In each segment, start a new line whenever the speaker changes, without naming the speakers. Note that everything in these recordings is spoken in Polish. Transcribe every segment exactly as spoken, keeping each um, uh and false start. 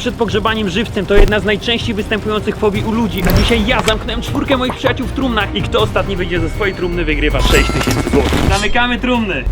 przed pogrzebaniem żywcem to jedna z najczęściej występujących fobii u ludzi. A dzisiaj ja zamknąłem czwórkę moich przyjaciół w trumnach i kto ostatni wyjdzie ze swojej trumny, wygrywa sześć tysięcy złotych. Zamykamy trumny.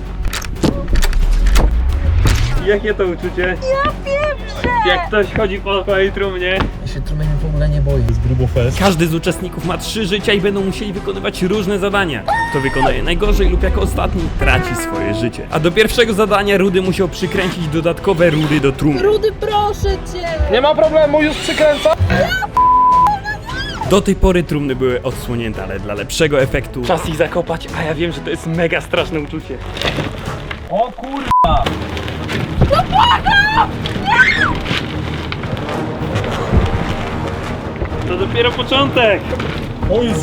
Jakie to uczucie?
Ja pieprzę!
Jak ktoś chodzi po swojej trumnie.
Ja się trumienia w ogóle nie boję. Jest grubo fest.
Każdy z uczestników ma trzy życia i będą musieli wykonywać różne zadania. Kto wykonuje najgorzej lub jako ostatni, traci swoje życie. A do pierwszego zadania Rudy musiał przykręcić dodatkowe rury do trumny.
Rudy, proszę cię!
Nie ma problemu, już przykręcam.
Do tej pory trumny były odsłonięte, ale dla lepszego efektu czas ich zakopać, a ja wiem, że to jest mega straszne uczucie.
O kurwa!
To dopiero początek!
O Jezu!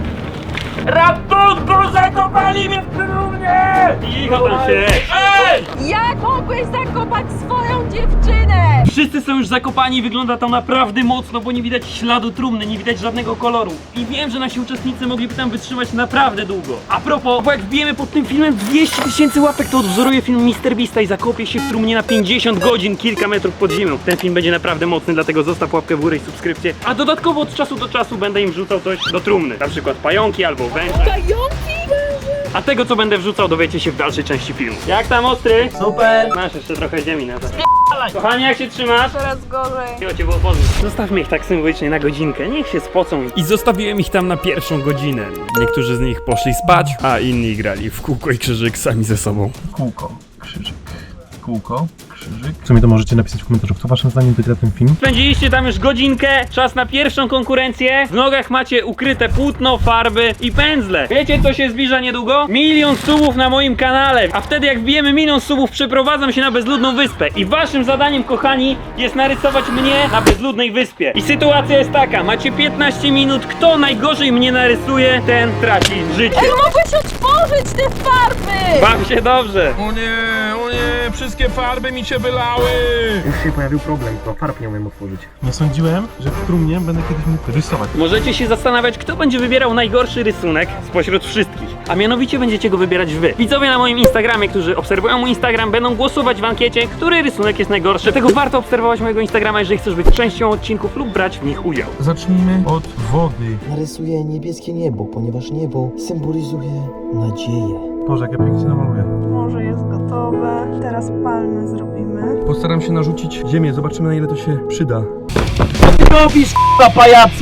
Ratunku, zakopali mnie w trumnie! Cicho tam się! Ej!
Jak mogłeś zakopać swoją dziewczynę?
Wszyscy są już zakopani i wygląda to naprawdę mocno, bo nie widać śladu trumny, nie widać żadnego koloru. I wiem, że nasi uczestnicy mogliby tam wytrzymać naprawdę długo. A propos, bo jak wbijemy pod tym filmem dwieście tysięcy łapek, to odwzoruję film mister Beasta i zakopię się w trumnie na pięćdziesiąt godzin, kilka metrów pod ziemią. Ten film będzie naprawdę mocny, dlatego zostaw łapkę w górę i subskrypcję. A dodatkowo od czasu do czasu będę im wrzucał coś do trumny. Na przykład pająki albo węże.
Pająki?
A tego, co będę wrzucał, dowiecie się w dalszej części filmu. Jak tam, ostry?
Super!
Masz jeszcze trochę ziemi na to. Kochanie, jak się trzymasz?
Coraz gorzej.
Miło cię było poznać. Zostawmy ich tak symbolicznie na godzinkę, niech się spocą. I zostawiłem ich tam na pierwszą godzinę. Niektórzy z nich poszli spać, a inni grali w kółko i krzyżyk sami ze sobą.
Kółko, krzyżyk, kółko, krzyżyk. W sumie to możecie napisać w komentarzu, kto waszym zdaniem wygra ten film.
Spędziliście tam już godzinkę, czas na pierwszą konkurencję. W nogach macie ukryte płótno, farby i pędzle. Wiecie, co się zbliża niedługo? Milion subów na moim kanale. A wtedy jak wbijemy milion subów, przeprowadzam się na bezludną wyspę. I waszym zadaniem, kochani, jest narysować mnie na bezludnej wyspie. I sytuacja jest taka, macie piętnaście minut. Kto najgorzej mnie narysuje, ten traci życie.
Ej, mogłeś otworzyć te farby!
Baw się dobrze.
O nie, o nie, wszystkie farby mi się wylały!
Już się pojawił problem, bo farb nie umiem otworzyć.
Nie sądziłem, że w trumnie będę kiedyś mógł rysować.
Możecie się zastanawiać, kto będzie wybierał najgorszy rysunek spośród wszystkich. A mianowicie będziecie go wybierać wy. Widzowie na moim Instagramie, którzy obserwują mój Instagram, będą głosować w ankiecie, który rysunek jest najgorszy. Dlatego warto obserwować mojego Instagrama, jeżeli chcesz być częścią odcinków lub brać w nich udział.
Zacznijmy od wody.
Narysuję niebieskie niebo, ponieważ niebo symbolizuje nadzieję.
Boże, jak ja pięknie namaluję.
Morze jest gotowe. Teraz palmy zrobimy.
Postaram się narzucić ziemię, zobaczymy na ile to się przyda.
Robisz k***a pajacu!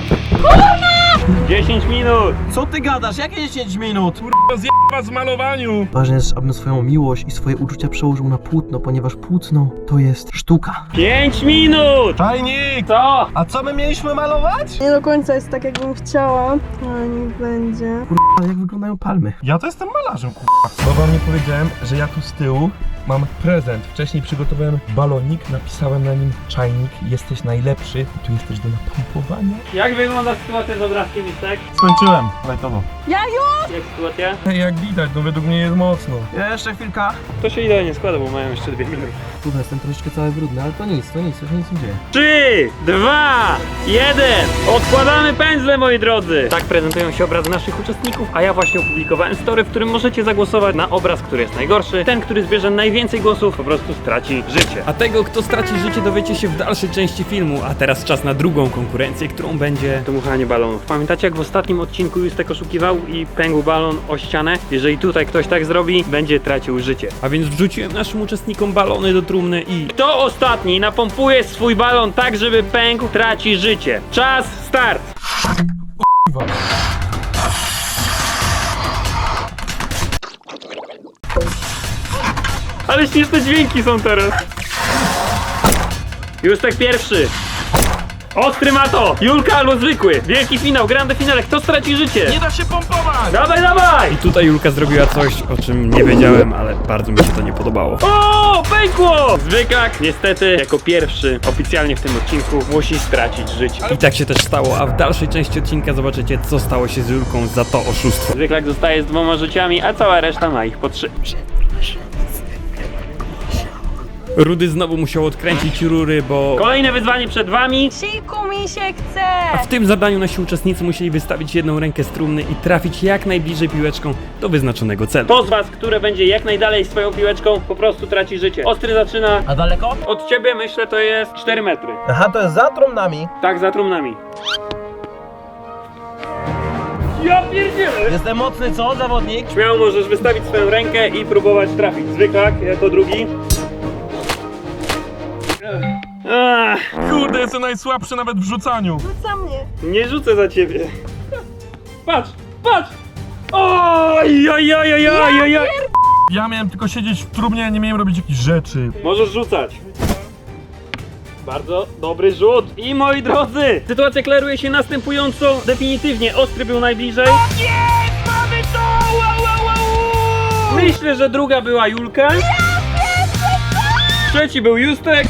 dziesięć minut!
Co ty gadasz? Jakie dziesięć minut?
Kurwa, zjeba z malowaniu!
Ważne jest, abym swoją miłość i swoje uczucia przełożył na płótno, ponieważ płótno to jest sztuka.
pięć minut!
Czajnik!
Co?
A co my mieliśmy malować?
Nie do końca jest tak, jakbym chciała, ale niech będzie.
A jak wyglądają palmy?
Ja to jestem malarzem, kurwa. Bo wam nie powiedziałem, że ja tu z tyłu mam prezent. Wcześniej przygotowałem balonik, napisałem na nim czajnik, jesteś najlepszy. I tu jest też do napompowania.
Jak wygląda sytuacja z obrazkiem, Mistek?
Skończyłem, lajtowo.
Ja już!
Jak sytuacja?
Jak widać, no według mnie jest mocno.
Jeszcze chwilka.
To się idealnie składa, bo mają jeszcze dwie minuty.
Kurde, jestem troszeczkę cały brudny, ale to nic, to nic, to się nic nie dzieje.
trzy, dwa, jeden. Odkładamy pędzle, moi drodzy. Tak prezentują się obrazy naszych uczestników, a ja właśnie opublikowałem story, w którym możecie zagłosować na obraz, który jest najgorszy. Ten, który zbierze najwięcej głosów, po prostu straci życie. A tego, kto straci życie, dowiecie się w dalszej części filmu. A teraz czas na drugą konkurencję, którą będzie dmuchanie balonów. Pamiętacie, jak w ostatnim odcinku Justek oszukiwał i pękł balon o ścianę? Jeżeli tutaj ktoś tak zrobi, będzie tracił życie. A więc wrzuciłem naszym uczestnikom balony do trumny i kto ostatni napompuje swój balon tak, żeby pękł, traci życie. Czas, start! Ale śmieszne dźwięki są teraz. Justek pierwszy. Ostry ma to! Julka albo zwykły! Wielki finał, grande finale, kto straci życie?
Nie da się pompować!
Dawaj, dawaj! I tutaj Julka zrobiła coś, o czym nie wiedziałem, ale bardzo mi się to nie podobało. O, pękło! Zwyklak, niestety, jako pierwszy oficjalnie w tym odcinku musi stracić życie. I tak się też stało, a w dalszej części odcinka zobaczycie, co stało się z Julką za to oszustwo. Zwyklak zostaje z dwoma życiami, a cała reszta ma ich po trzy. Rudy znowu musiał odkręcić rury, bo... Kolejne wyzwanie przed wami.
Siku mi się chce!
A w tym zadaniu nasi uczestnicy musieli wystawić jedną rękę z trumny i trafić jak najbliżej piłeczką do wyznaczonego celu. To z was, które będzie jak najdalej swoją piłeczką, po prostu traci życie. Ostry zaczyna
A daleko?
od ciebie, myślę, to jest cztery metry.
Aha, to jest za trumnami.
Tak, za trumnami. Ja pierdzielę!
Jestem mocny, co, zawodnik?
Śmiało możesz wystawić swoją rękę i próbować trafić. Zwyklak jako drugi. Ach,
Kurde, jestem najsłabszy nawet w rzucaniu.
Rzuca mnie.
nie rzucę za ciebie. Patrz, patrz! Oj, oj, oj, oj, oj, oj, oj.
Ja miałem tylko siedzieć w trumnie, nie miałem robić jakichś rzeczy.
Możesz rzucać. Bardzo dobry rzut. I moi drodzy, sytuacja klaruje się następująco. Definitywnie Ostry był najbliżej. Jest! Mamy to! Wow, wow, wow. Myślę, że druga była Julka. Trzeci był Justek.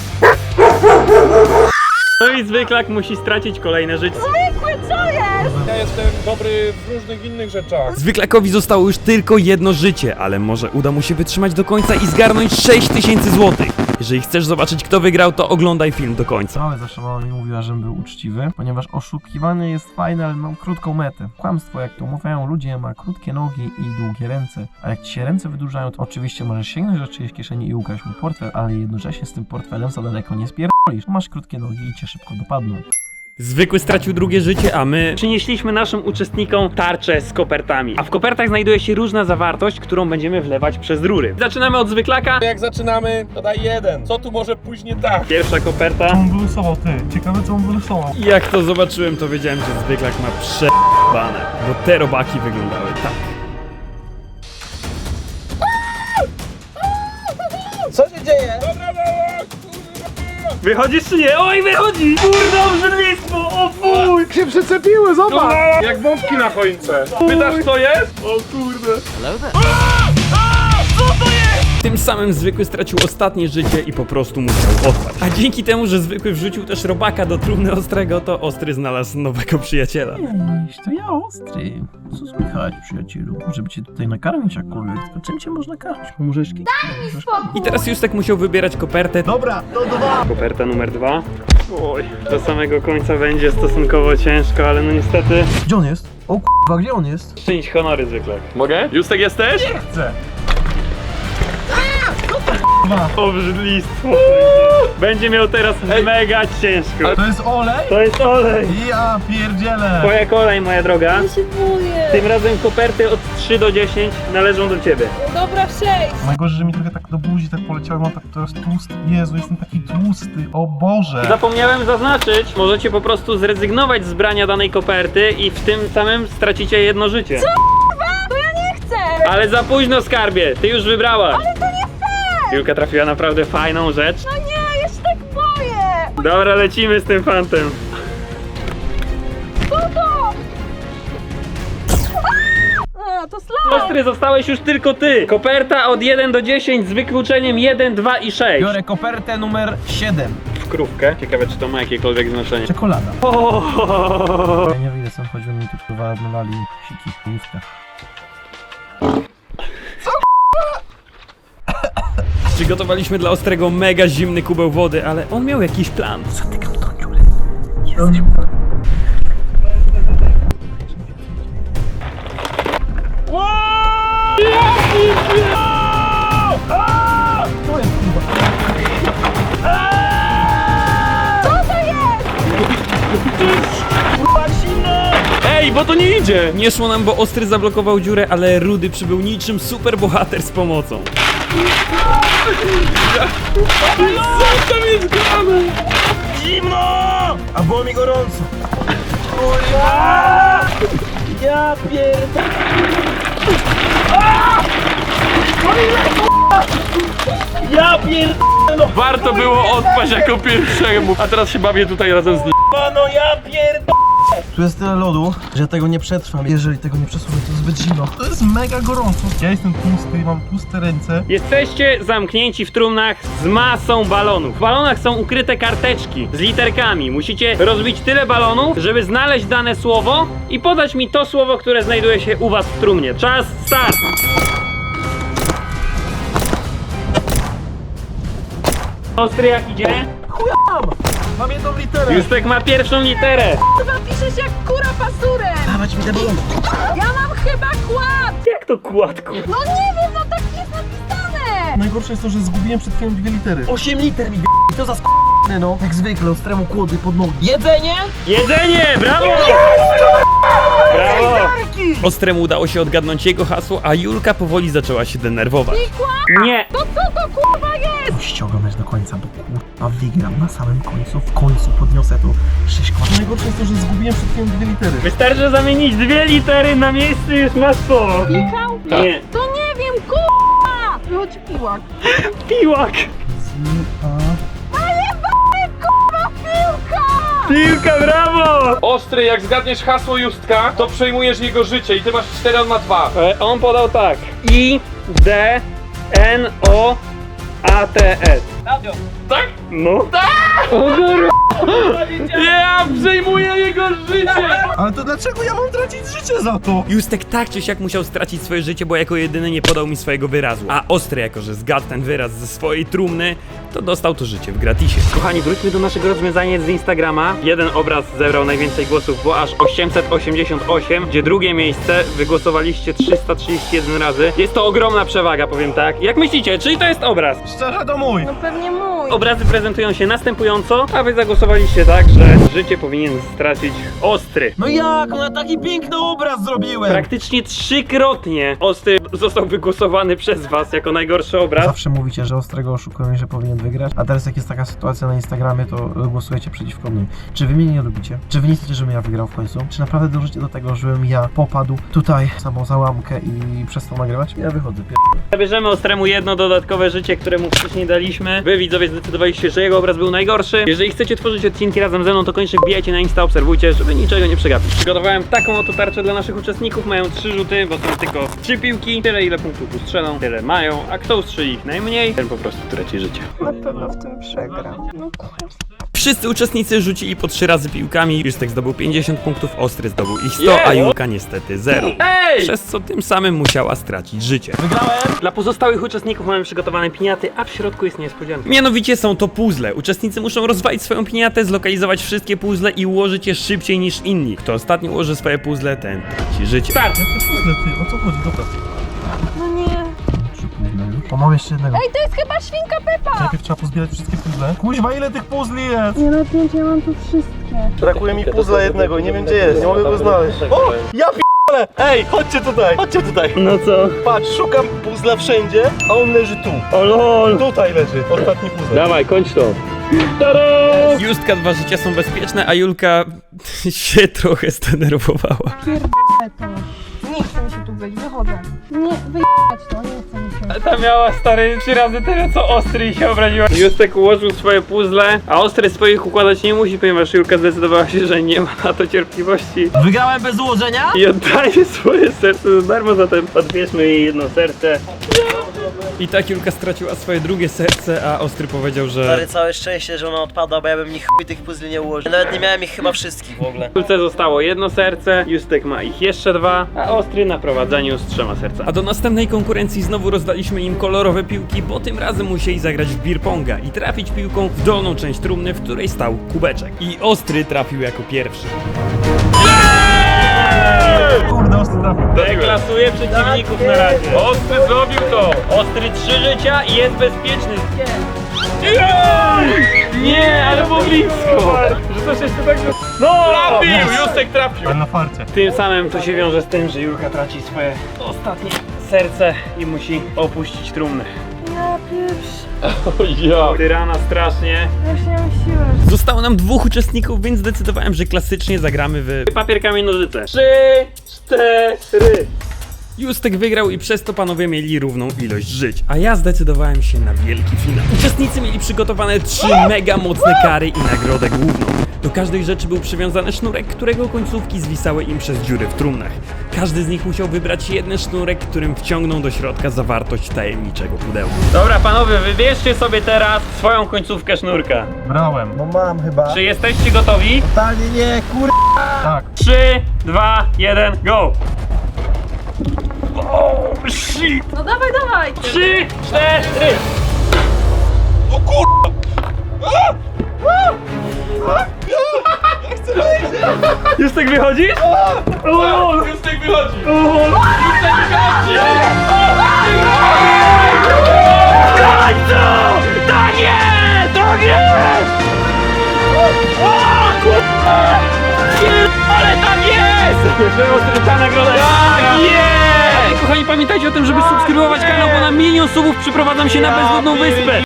No i Zwyklak musi stracić kolejne życie.
Zwykły, co jest?
Ja jestem dobry w różnych innych rzeczach.
Zwyklakowi zostało już tylko jedno życie, ale może uda mu się wytrzymać do końca i zgarnąć sześć tysięcy złotych. Jeżeli chcesz zobaczyć, kto wygrał, to oglądaj film do końca.
Całe zawsze mama mi mówiła, żebym był uczciwy, ponieważ oszukiwanie jest fajne, ale mam krótką metę. Kłamstwo, jak to mówią ludzie, ma krótkie nogi i długie ręce. A jak ci się ręce wydłużają, to oczywiście możesz sięgnąć do czyjejś kieszeni i ukraść mu portfel, ale jednocześnie z tym portfelem za daleko nie spierdolisz. Masz krótkie nogi i cię szybko dopadną.
Zwykły stracił drugie życie, a my przynieśliśmy naszym uczestnikom tarczę z kopertami. A w kopertach znajduje się różna zawartość, którą będziemy wlewać przez rury. Zaczynamy od Zwyklaka.
Jak zaczynamy, to daj jeden. Co tu może pójść nie tak?
Pierwsza koperta.
Co on wylusował, ty? Ciekawe, co on wylusował.
Jak to zobaczyłem, to wiedziałem, że Zwyklak ma prze***bane, bo te robaki wyglądały tak.
Co się dzieje?
Wychodzisz czy nie? Oj, wychodzi! Kurde, obrzydlistwo! O fuj!
Się przyczepiły, zobacz! Jak bombki na choince. Pytasz, co jest?
O kurde! Tym samym Zwykły stracił ostatnie życie i po prostu musiał odpaść. A dzięki temu, że Zwykły wrzucił też robaka do trumny Ostrego, to Ostry znalazł nowego przyjaciela.
Cześć, to ja Ostry. Co słychać, przyjacielu? Żeby cię tutaj nakarmić jakkolwiek, to czym cię można karmić? Łyżeczki? Daj mi spokój!
I teraz Justek musiał wybierać kopertę.
Dobra, to dwa!
Koperta numer dwa. Oj, do samego końca będzie stosunkowo ciężko, ale no niestety...
Gdzie on jest? O k***a, gdzie on jest?
Czynić honory Zwyklak.
Mogę? Justek jesteś?
Chcę!
Obrzydlistwo. Będzie miał teraz mega ciężko.
To jest olej?
To jest olej.
Ja pierdzielę!
Twoja kolej, moja droga.
Ja się boję.
Tym razem koperty od trzy do dziesięciu należą do ciebie.
Dobra, sześć.
Najgorzej, że mi trochę tak do buzi tak poleciało, mam tak teraz tłusty. Jezu, jestem taki tłusty, o Boże!
Zapomniałem zaznaczyć, możecie po prostu zrezygnować z brania danej koperty i w tym samym stracicie jedno życie.
To ja nie chcę.
Ale za późno, skarbie, ty już wybrałaś.
Ale to nie fair.
Julka trafiła naprawdę fajną rzecz.
No nie, ja się tak boję.
Dobra, lecimy z tym fantem.
Co to? A, to slime.
Ostry, zostałeś już tylko ty. Koperta od jeden do dziesięciu z wykluczeniem jeden, dwa i sześć.
Biorę kopertę numer siedem.
W krówkę. Ciekawe, czy to ma jakiekolwiek znaczenie.
Czekolada.
O!
Ja nie wyjdę sam, choćby mi tu kurwa odmywali siki w łóżkach.
Przygotowaliśmy dla Ostrego mega zimny kubeł wody, ale on miał jakiś plan.
Zatykam tą dziurę. Jest. To jest kurwa.
Co to jest?
Ej, bo to nie idzie! Nie szło nam, bo Ostry zablokował dziurę, ale Rudy przybył niczym super bohater z pomocą. Co tam jest grane?
Zimno! A było mi gorąco. Ja pierdolę. Ja pierdolę.
Warto było odpaść jako pierwszemu. A teraz się bawię tutaj razem z nim.
No ja pierdolę. Tu jest tyle lodu, że tego nie przetrwam. Jeżeli tego nie przesunę, to zbyt zimno. To jest mega gorąco. Ja jestem tłusty, mam tłuste ręce.
Jesteście zamknięci w trumnach z masą balonów. W balonach są ukryte karteczki z literkami. Musicie rozbić tyle balonów, żeby znaleźć dane słowo i podać mi to słowo, które znajduje się u was w trumnie. Czas, start! Ostry jak idzie?
Mam jedną literę!
Justek ma pierwszą literę.
Chyba piszesz jak kura pasurem!
Dawać mi te balony!
Ja mam chyba kład!
Jak to kładku?
No nie wiem, no tak jest napisane!
Najgorsze jest to, że zgubiłem przed chwilą dwie litery.
osiem liter mi to za sk...
No, jak zwykle, ostremu kłody pod nogi.
Jedzenie?
Jedzenie! Brawo! Brawo! Ostremu udało się odgadnąć jego hasło, a Julka powoli zaczęła się denerwować. Nie!
To co to kurwa jest?
Musicie oglądać do końca, bo kurwa wygram na samym końcu. W końcu podniosę to sześć kład. Najgorsze jest to, że zgubiłem przed chwilą dwie litery.
Wystarczy zamienić dwie litery na miejsce, już masz słowo.
Pikał?
Nie.
To nie wiem, kurwa! Wychodzi piłak.
Piłak!
Kurwa, piłka!
Piłka, brawo!
Ostry, jak zgadniesz hasło Justka, to przejmujesz jego życie i ty masz cztery, on ma dwa.
E, on podał tak. I, D, N, O, A, T, S.
Tak?
No. Tak! O kurwa!
Ja przejmuję jego życie!
Ale to dlaczego ja mam tracić życie za to?
Justek tak czy siak musiał stracić swoje życie, bo jako jedyny nie podał mi swojego wyrazu. A Ostry, jako że zgadł ten wyraz ze swojej trumny, to dostał to życie w gratisie. Kochani, wróćmy do naszego rozwiązania z Instagrama. Jeden obraz zebrał najwięcej głosów, było aż osiemset osiemdziesiąt osiem, gdzie drugie miejsce wygłosowaliście trzysta trzydzieści jeden razy. Jest to ogromna przewaga, powiem tak. Jak myślicie, czyj to jest obraz?
Szczerze, to mój.
No pewnie mój.
Obrazy prezentują się następująco, a wy zagłosowaliście tak, że życie powinien stracić Ostry.
No jak? No taki piękny obraz zrobiłem!
Praktycznie trzykrotnie Ostry został wygłosowany przez was jako najgorszy obraz.
Zawsze mówicie, że Ostrego oszukują i że powinien wygrać, a teraz jak jest taka sytuacja na Instagramie, to głosujecie przeciwko mnie. Czy wy mnie nie lubicie? Czy wy nie chcecie, żebym ja wygrał w końcu? Czy naprawdę dążycie do tego, żebym ja popadł tutaj w samą załamkę i przestał nagrywać? Ja wychodzę, pier...
Zabierzemy Ostremu jedno dodatkowe życie, które mu wcześniej daliśmy. Wy widzowie zdecydowaliście, że jego obraz był najgorszy. Jeżeli chcecie tworzyć odcinki razem ze mną, to koniecznie wbijajcie na Insta, obserwujcie, żeby niczego nie przegapić. Przygotowałem taką oto tarczę dla naszych uczestników. Mają trzy rzuty, bo są tylko trzy piłki. Tyle ile punktów ustrzelą, tyle mają. A kto ustrzeli ich najmniej, ten po prostu traci życie.
Na pewno w tym przegram. No kurwa.
Wszyscy uczestnicy rzucili po trzy razy piłkami. Justek zdobył pięćdziesiąt punktów, Ostry zdobył ich sto, a Julka niestety zero.
Ej!
Przez co tym samym musiała stracić życie.
Wygrałem!
Dla pozostałych uczestników mamy przygotowane piniaty, a w środku jest niespodzianka. Mianowicie są to puzzle. Uczestnicy muszą rozwalić swoją piniatę, zlokalizować wszystkie puzzle i ułożyć je szybciej niż inni. Kto ostatni ułoży swoje puzzle, ten traci życie. Start!
Puzzle, ty, o co chodzi? Dobra.
No nie.
Trzy puzzle już. O, mam jeszcze jednego.
Ej, to jest chyba świnka Pepa!
Najpierw trzeba pozbierać wszystkie puzzle. Kuźwa, ile tych puzli jest?
Nie no, pięć, ja mam tu wszystkie.
Brakuje mi puzzla jednego i nie wiem gdzie jest, nie mogę go znaleźć. O! Ja p***le! Ej, chodźcie tutaj, chodźcie tutaj.
No co?
Patrz, szukam puzzla wszędzie, a on leży tu.
O lol!
Tutaj leży, ostatni puzzle.
Dawaj, kończ to. Justka, dwa życia są bezpieczne, a Julka się trochę zdenerwowała.
Pierdolę to. Nie chcę mi się tu być, wychodzę. Nie, wyjechać to, nie chcę mi się.
Ta miała, stary, trzy razy tyle co Ostry i się obraziła. Justek ułożył swoje puzzle, a Ostry swoich układać nie musi, ponieważ Julka zdecydowała się, że nie ma na to cierpliwości
Wygrałem bez ułożenia?
i oddaje swoje serce za darmo, zatem odbierzmy jej jedno serce. I tak Julka straciła swoje drugie serce, a Ostry powiedział, że
Stary, całe szczęście, że ona odpada, bo ja bym ich chuj tych puzli nie ułożył. Nawet nie miałem ich chyba wszystkich w ogóle.
Julce zostało jedno serce, Justek ma ich jeszcze dwa, a Ostry na prowadzeniu z trzema sercami. A do następnej konkurencji znowu rozdaliśmy im kolorowe piłki, bo tym razem musieli zagrać w beer ponga i trafić piłką w dolną część trumny, w której stał kubeczek. I Ostry trafił jako pierwszy.
Kurde, ostry trafił.
Deklasuje przeciwników na razie.
Ostry zrobił to!
Ostry trzy życia i jest bezpieczny. Nie, nie, ale było blisko. Że coś jeszcze tak... No!
Trafił! Justek trafił!
Ale na farcie.
Tym samym to się wiąże z tym, że Julka traci swoje ostatnie serce i musi opuścić trumnę.
Ja pierwszy.
Ja!
Tyrana strasznie.
Ja już nie mam siły.
Zostało nam dwóch uczestników, więc zdecydowałem, że klasycznie zagramy w papier, kamień, nożyce. Trzy, cztery. Justek wygrał i przez to panowie mieli równą ilość żyć, a ja zdecydowałem się na wielki finał. Uczestnicy mieli przygotowane trzy mega mocne kary i nagrodę główną. Do każdej rzeczy był przywiązany sznurek, którego końcówki zwisały im przez dziury w trumnach. Każdy z nich musiał wybrać jeden sznurek, którym wciągnął do środka zawartość tajemniczego pudełka. Dobra panowie, wybierzcie sobie teraz swoją końcówkę sznurka.
Brałem.
No mam chyba.
Czy jesteście gotowi?
Totalnie nie, kur...
Tak.
trzy, dwa, jeden, go! Oh, shit!
No dawaj, dawaj!
trzy, cztery! Już tak wychodzisz? O, już tak wychodzi! O, już tak wychodzi! Tak to! Tak jest! Tak jest! O, kurwa! Ale tak jest! Ta nagroda jest! Tak jest! Kochani, pamiętajcie o tym, żeby subskrybować kanał, bo na milion subów przyprowadzam się na bezludną wyspę!